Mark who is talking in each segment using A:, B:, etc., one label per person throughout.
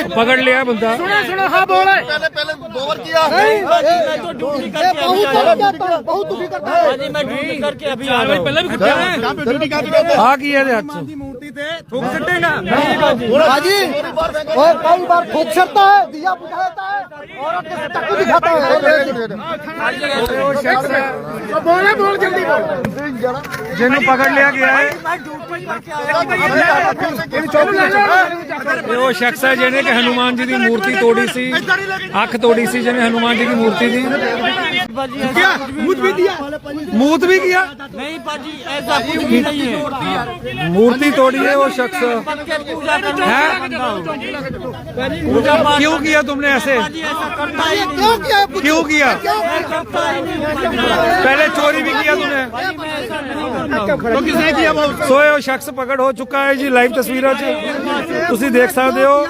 A: पकड़ लिया बंदा।
B: सुनो हाँ बोले पहले 2 बार किया बहुत दुखी करता है। मैं ड्यूटी करके अभी आ रहा हूं। पहले भी
A: हाँ की है हाथ
B: मूर्ति थे थूक सटेगा हाजी और कई बार थूक सकता है दिया बुझाता है औरत के टक्कू दिखाता है। बोले बोल जल्दी बोल
A: जिन्हें पकड़ लिया गया है वो शख्स है जिन्हें कि हनुमान जी की मूर्ति तोड़ी सी, अख तोड़ी सी जिन्हें हनुमान जी की मूर्ति दी। मूत भी किया
B: नहीं पाजी ऐसा कुछ भी नहीं है।
A: मूर्ति तोड़ी है वो शख्स है। क्यों किया तुमने ऐसे? क्यों किया? पहले चोरी भी किया तुमने तो किसने किया? सोए वो शख्स पकड़ हो चुका है जी। लाइव तस्वीर तुसी देख सकते हो।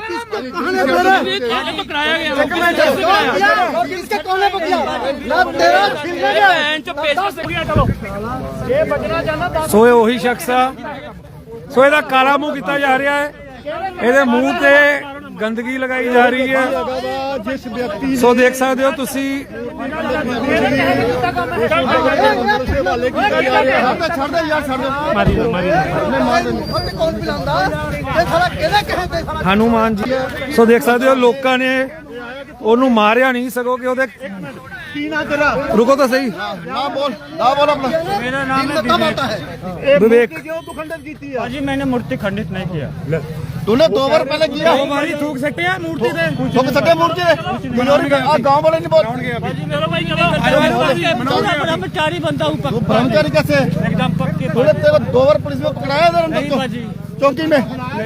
A: सोए वही शख्स आ सोए का काला मुंह किया जा रहा है। ਇਹਦੇ ਮੂੰਹ ਤੇ गंदगी लगाई जा रही है। जिस व्यक्ति सो देख सकते हो तुसी हनुमान जी सो देख सकते हो लोगों ने ओनू मारिया नहीं सको कि ओदे रुको तो सही
B: ना बोल अपना। मेरा नाम है
A: विवेक।
B: जी मैंने मूर्ति खंडित नहीं किया। तूने 2 बार पहले किया। 2 बार ही थूक सकते हैं मूर्ति से। थूक सकते मूर्ति गाँव वाले नहीं बोल ब्रह्मचारी बनता हूँ। ब्रह्मचारी कैसे? एकदम पक्के। 2 बार पुलिस में पकड़ाया चौकी में।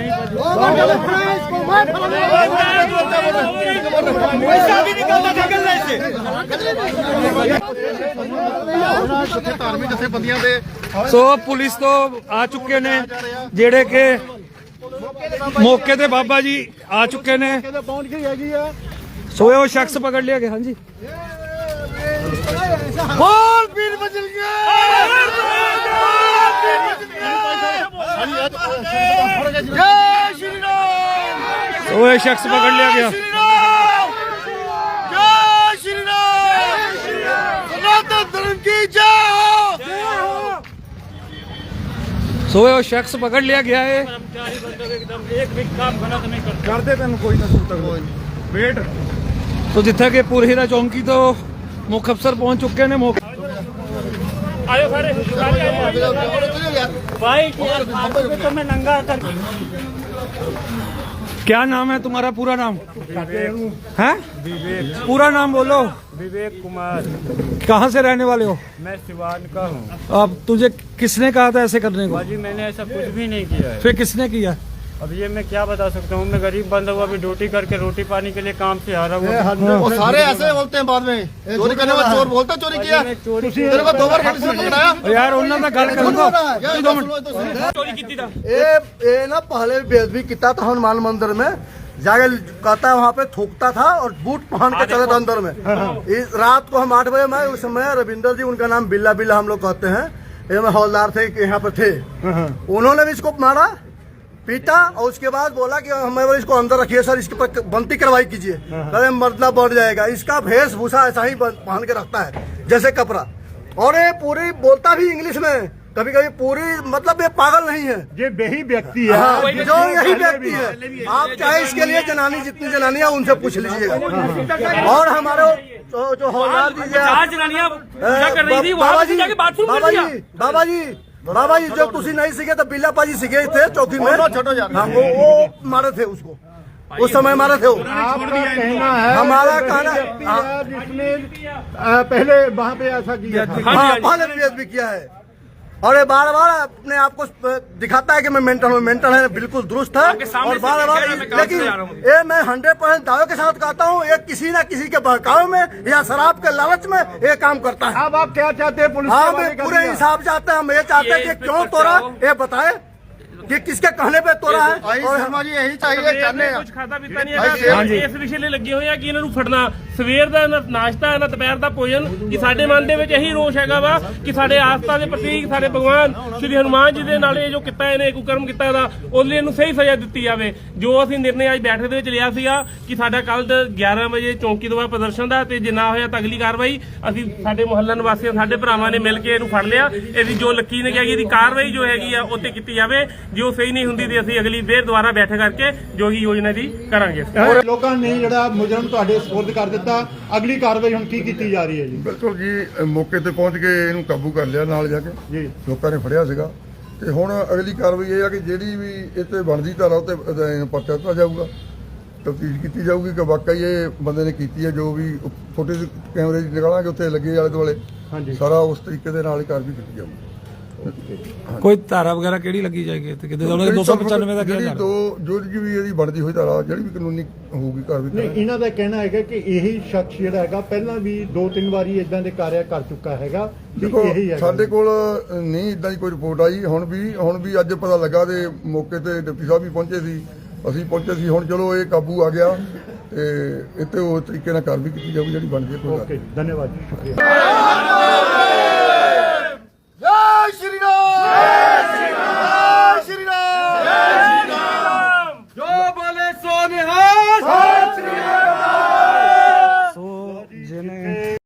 A: सो पुलिस तो आ चुके ने जेड़े के मौके ते बाबा जी आ चुके ने। सो वो शख्स पकड़ लिया गया। हाँ जी
B: बोल पीर बजल जय श्री राम।
A: सो वो शख्स पकड़ लिया गया।
B: जय श्री राम। सनातन धर्म की जय।
A: सो वो शख्स पकड़ लिया गया है।
B: एक भी काम गलत नहीं
A: कर दे तेन कोई ना वेट। तो जिथे के पुरहीरा चौंकी तो मुख अफसर पहुंच चुके ने।
B: भाई तो मैं नंगा कर।
A: क्या नाम है तुम्हारा? पूरा नाम है?
B: विवेक।
A: पूरा नाम बोलो।
B: विवेक कुमार।
A: कहाँ से रहने वाले हो?
B: मैं सिवान का हूँ।
A: अब तुझे किसने कहा था ऐसे करने को?
B: बाजी मैंने ऐसा कुछ भी नहीं किया है।
A: फिर किसने किया?
B: अब ये मैं क्या बता सकता हूँ। मैं गरीब बंदा हुआ अभी ड्यूटी करके रोटी पानी के लिए काम से हारा हुआ।
C: वो सारे ऐसे बोलते हैं बाद में चोरी करने वाला चोर बोलता चोरी किया। तेरे को 2 बार पुलिस में पकड़ाया
A: यार उन्होंने तो गल कर दो।
B: चोरी की थी।
C: ये ना पहले बेदबी किया था हनुमान मंदिर में जाके कहता है वहाँ पे थूकता था और बूट पहन के चले था अंदर में। इस रात को हम 8 बजे में उस समय रविंदर जी उनका नाम बिल्ला बिल्ला हम लोग कहते हैं। ये में हौलदार थे यहाँ पे थे। उन्होंने भी इसको मारा पीटा और उसके बाद बोला कि हमें इसको अंदर रखिए सर इसके पर बनती कार्रवाई कीजिए। अरे मरना बढ़ जाएगा। इसका वेशभूषा ऐसा ही पहन के रखता है जैसे कपड़ा। और ये पूरी बोलता भी इंग्लिश में कभी कभी पूरी मतलब ये पागल नहीं है।
D: ये वही व्यक्ति है।
C: हाँ, जो यही व्यक्ति है। आप चाहे इसके लिए जनानी जितनी जनानी है उनसे पूछ लीजिएगा। और हमारे जो हौलदार जी बाबा जी जो तुसी नहीं सीखे तो बिल्ला पाजी सीखे थे चौकी में। हाँ, वो मारे थे उसको उस समय मारे थे।
D: आपका कहना है
C: हमारा कहना
D: जिसने पहले वहाँ पे ऐसा किया था।
C: हाँ पहले भी किया है। और ये बार बार अपने आप को दिखाता है कि मैं मेंटल है बिल्कुल दुरुस्त है। और बार बार लेकिन ये मैं 100% दावे के साथ कहता हूँ ये किसी न किसी के बहकावे में या शराब के लालच में ये काम करता है।
D: अब आप क्या चाहते हैं? पुलिस
C: हाँ मैं पूरे हिसाब चाहते हैं। हम ये चाहते हैं कि क्यों तोड़ा ये बताए। कि किसके कहने पे तोड़ा है और
D: शर्मा जी यही चाहिए चाहते हैं
B: ਕੁਝ ਖਾਦਾ ਪੀਤਾ ਨਹੀਂ ਹੈਗਾ ਇਸ ਵਿਸ਼ੇ ਲਈ ਲੱਗੇ ਹੋਏ ਆ ਕਿ ਇਹਨਾਂ ਨੂੰ ਫੜਨਾ ਸਵੇਰ ਦਾ ਨਾ ਨਾਸ਼ਤਾ ਨਾ ਦੁਪਹਿਰ ਦਾ ਭੋਜਨ ਕਿ ਸਾਡੇ ਮਨ ਦੇ ਵਿੱਚ ਇਹੀ ਰੋਸ਼ ਹੈਗਾ ਵਾ ਕਿ ਸਾਡੇ ਆਸਥਾ ਦੇ ਪ੍ਰਤੀਕ ਸਾਡੇ ਭਗਵਾਨ ਸ਼੍ਰੀ ਹਨੂਮਾਨ ਜੀ ਦੇ ਨਾਲ ਇਹ ਜੋ ਕੀਤਾ ਇਹਨੇ ਕੁਕਰਮ ਕੀਤਾ ਦਾ ਉਹਦੇ ਲਈ ਇਹਨੂੰ ਸਹੀ ਸਜ਼ਾ ਦਿੱਤੀ ਜਾਵੇ ਜੋ ਅਸੀਂ ਨਿਰਣੇ ਅੱਜ ਬੈਠਕ ਦੇ ਵਿੱਚ ਲਿਆ ਸੀਗਾ ਕਿ ਸਾਡਾ ਕੱਲ 11 ਵਜੇ ਚੌਂਕੀ ਦੁਆਰਾ ਪ੍ਰਦਰਸ਼ਨ ਦਾ ਤੇ ਜੇ ਨਾ ਹੋਇਆ ਤਾਂ ਅਗਲੀ ਕਾਰਵਾਈ ਅਸੀਂ ਸਾਡੇ ਮੁਹੱਲਾ ਨਿਵਾਸੀਆਂ ਸਾਡੇ ਭਰਾਵਾਂ ਨੇ ਮਿਲ ਕੇ ਇਹਨੂੰ ਫੜ ਲਿਆ ਇਹਦੀ ਜੋ ਲੱਕੀ ਨੇ ਕਿਹਾ ਕਿ ਇਹਦੀ ਕਾਰਵਾਈ ਜੋ ਹੈਗੀ ਆ ਉਹ ਤੇ ਕੀਤੀ ਜਾਵੇ ਜੋ ਸਹੀ ਨਹੀਂ ਹੁੰਦੀ ਤੇ ਅਸੀਂ ਅਗਲੀ ਫੇਰ ਦੁਬਾਰਾ ਬੈਠਕ ਕਰਕੇ ਜੋ ਹੀ ਯੋਜਨਾ ਦੀ ਕਰਾਂਗੇ
D: ਲੋਕਾਂ ਨੇ ਜਿਹੜਾ ਮੁਜਰਮ ਤੁਹਾਡੇ ਸਪੁਰਦ ਕਰ ਦਿੱਤਾ ਅਗਲੀ ਕਾਰਵਾਈ ਹੁਣ ਕੀ ਕੀਤੀ ਜਾ ਰਹੀ ਹੈ ਜੀ
E: ਬਿਲਕੁਲ ਜੀ ਮੌਕੇ ਤੇ ਪਹੁੰਚ ਕੇ ਇਹਨੂੰ ਕਾਬੂ ਕਰ ਲਿਆ ਨਾਲ ਜਾ ਕੇ
D: ਜੀ
E: ਲੋਕਾਂ ਨੇ ਫੜਿਆ ਸੀਗਾ ਤੇ ਹੁਣ ਅਗਲੀ ਕਾਰਵਾਈ ਇਹ ਆ ਕਿ ਜਿਹੜੀ ਵੀ ਇਹ ਤੇ ਬਣਦੀ ਧਾਰਾ ਉਹ ਤੇ ਪਰਚਾ ਦਿੱਤਾ ਜਾਊਗਾ ਤਫਤੀਸ਼ ਕੀਤੀ ਜਾਊਗੀ ਕਿ ਵਾਕਈ ਇਹ ਬੰਦੇ ਨੇ ਕੀਤੀ ਹੈ ਜੋ ਵੀ ਫੁਟੇਜ ਕੈਮਰੇ ਦੀ ਨਿਕਾਲਾਂਗੇ ਉੱਥੇ ਲੱਗੇ ਆਲੇ ਦੁਆਲੇ
D: ਹਾਂਜੀ
E: ਸਾਰਾ ਉਸ ਤਰੀਕੇ ਦੇ ਨਾਲ ਹੀ ਕਾਰਵਾਈ ਕੀਤੀ ਜਾਊਗੀ
A: ਕੋਈ ਧਾਰਾ ਵਗੈਰਾ ਕਿਹੜੀ ਲੱਗੀ ਜਾਏਗੀ ਤੇ ਕਿਤੇ ਉਹਨਾਂ 295 ਦਾ
E: ਜਿਹੜੀ
A: ਕਿਹਾ
E: ਜੋ ਵੀ ਇਹਦੀ ਬਣਦੀ ਹੋਈ ਧਾਰਾ ਜਿਹੜੀ ਵੀ ਕਾਨੂੰਨੀ ਹੋਊਗੀ ਕਾਰਵਾਈ
D: ਨਹੀਂ ਇਹਨਾਂ ਦਾ ਕਹਿਣਾ ਹੈਗਾ ਕਿ ਇਹੀ ਸ਼ਖਸ ਜਿਹੜਾ ਹੈਗਾ ਪਹਿਲਾਂ ਵੀ 2-3 ਵਾਰੀ ਇਦਾਂ ਦੇ ਕਾਰਿਆ ਕਰ ਚੁੱਕਾ ਹੈਗਾ ਵੀ
E: ਦੇਖੋ
D: ਇਹੀ ਹੈਗਾ
E: ਸਾਡੇ ਕੋਲ ਨਹੀਂ ਇਦਾਂ ਦੀ ਕੋਈ ਰਿਪੋਰਟ ਆਈ ਹੁਣ ਵੀ ਅੱਜ ਪਤਾ ਲੱਗਾ ਤੇ ਮੌਕੇ ਤੇ ਡਿਪਟੀ ਸਾਹਿਬ ਵੀ ਪਹੁੰਚੇ ਸੀ ਅਸੀਂ ਪਹੁੰਚੇ ਸੀ ਹੁਣ ਚਲੋ ਇਹ ਕਾਬੂ ਆ ਗਿਆ ਤੇ ਇੱਥੇ ਉਹ ਤਰੀਕੇ ਨਾਲ ਕਾਰਵਾਈ ਕੀਤੀ ਜਾਊਗੀ ਜਿਹੜੀ ਬਣਦੀ ਹੈ ਕੋਈ ਗੱਲ
D: ਓਕੇ ਧੰਨਵਾਦ ਜੀ ਸ਼ੁਕਰੀਆ